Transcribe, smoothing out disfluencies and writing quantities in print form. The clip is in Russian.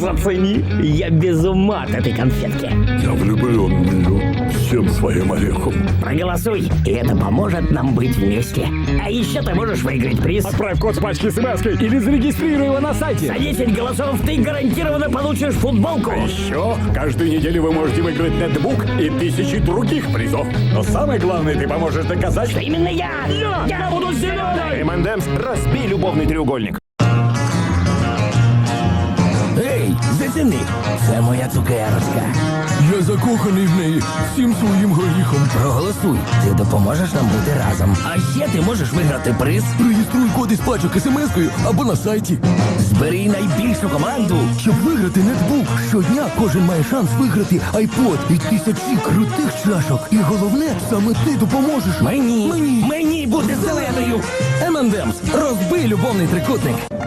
зацени. Я без ума от этой конфетки. Я влюблен в нее всем своим орехом. Проголосуй, и это поможет нам быть вместе. А еще ты можешь выиграть приз. Отправь код с пачки смс или зарегистрируй его на сайте. За 10 голосов ты гарантированно получишь футболку. Еще каждую неделю вы можете выиграть нетбук и тысячи других призов. Но самое главное, ты поможешь доказать, Что именно я! Я буду зеленой! M&M's разбей любовный треугольник. Ей, заціни! Це моя цукерочка. Я закоханий в неї всім своїм горіхом. Проголосуй, ти допоможеш нам бути разом. А ще ти можеш виграти приз. Реєструй коди з пачок смс-кою або на сайті. Збери найбільшу команду. Щоб виграти нетбук, щодня кожен має шанс виграти айпод і тисячі крутих чашок. І головне, саме ти допоможеш. Мені бути зеленою. M&M's. Розбий любовний трикутник.